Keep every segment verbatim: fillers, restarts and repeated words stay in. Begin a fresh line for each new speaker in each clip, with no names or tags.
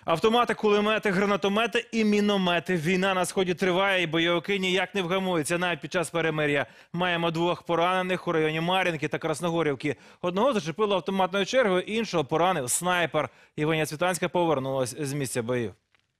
Автомати, кулемети, гранатомети і міномети. Війна на сході триває, і бойовики ніяк не вгамуються. Навіть під час перемир'я маємо двох поранених у районі Мар'їнки та Красногорівки. Одного зачепило автоматною чергою, іншого поранив снайпер. Євгенія Цвітанська повернулась з місця боїв.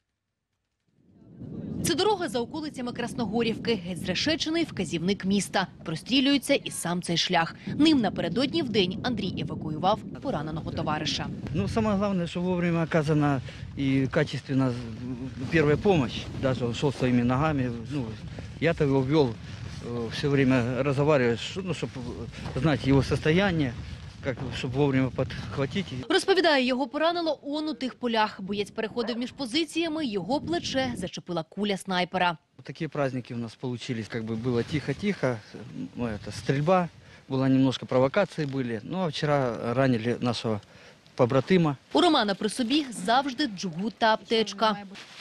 Це дорога за околицями Красногорівки. Геть зрешечений вказівник міста. Прострілюється і сам цей шлях. Ним напередодні вдень Андрій евакуював пораненого товариша.
Ну, самое главное, что вовремя оказана и качественно первая помощь. Даже он шел своими ногами. Ну, я-то его вел, все время разговаривать, ну, чтобы знать его состояние, как, чтобы вовремя подхватить.
Розповідає, його поранило он у тих полях. Боєць переходив між позиціями, його плече зачепила куля снайпера.
Такие праздники у нас получились, как бы было тихо-тихо, ну, это стрельба, была немножко провокации были. Ну, а вчера ранили нашего побратима.
У Романа при собі завжди джгут та аптечка.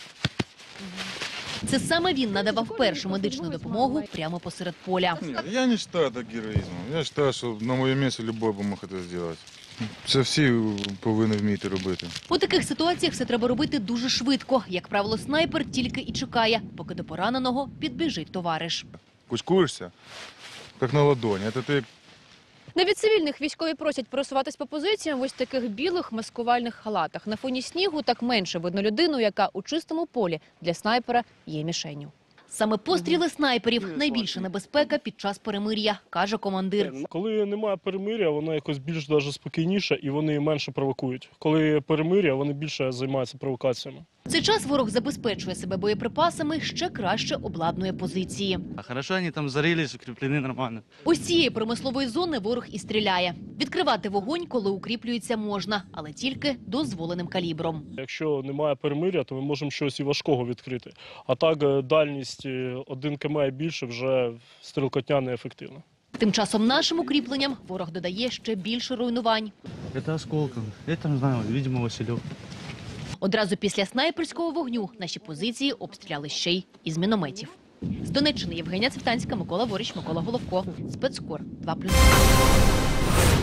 Це саме він надавав першу медичну допомогу прямо посеред поля.
Нет, я не считаю это героизмом. Я считаю, что на моєму місці любой би мог це зробити. Це всі повинні вміти робити.
У таких ситуаціях все треба робити дуже швидко. Як правило, снайпер тільки і чекає, поки до пораненого підбіжить товариш.
Кучкуєшся, як на ладоні. Це ти
Навіть цивільних військові просять просуватись по позиціям в ось таких білих маскувальних халатах. На фоні снігу так менше видно людину, яка у чистому полі для снайпера є мішенню.
Саме постріли снайперів – найбільша небезпека під час перемир'я, каже командир.
Коли немає перемир'я, воно якось більш даже спокійніше і вони менше провокують. Коли перемир'я, вони більше займаються провокаціями.
В цей час ворог забезпечує себе боєприпасами, ще краще обладнує позиції.
А хорошо они там зарылись, укреплены нормально.
Ось цієї промислової зони ворог і стріляє. Відкривати вогонь, коли укріплюється, можна, але тільки дозволеним калібром.
Якщо немає перемир'я, то ми можемо щось і важкого відкрити. А так дальність один кілометр і більше вже стрілкотня неефективна.
Тим часом нашим укріпленням ворог додає ще більше руйнувань.
Это осколком. Это, не знаю, видимо, Василек.
Одразу після снайперського вогню наші позиції обстріляли ще й із мінометів. З Донеччини Євгенія Цвітанська, Микола Воріч, Микола Головко. Спецкор два плюс два.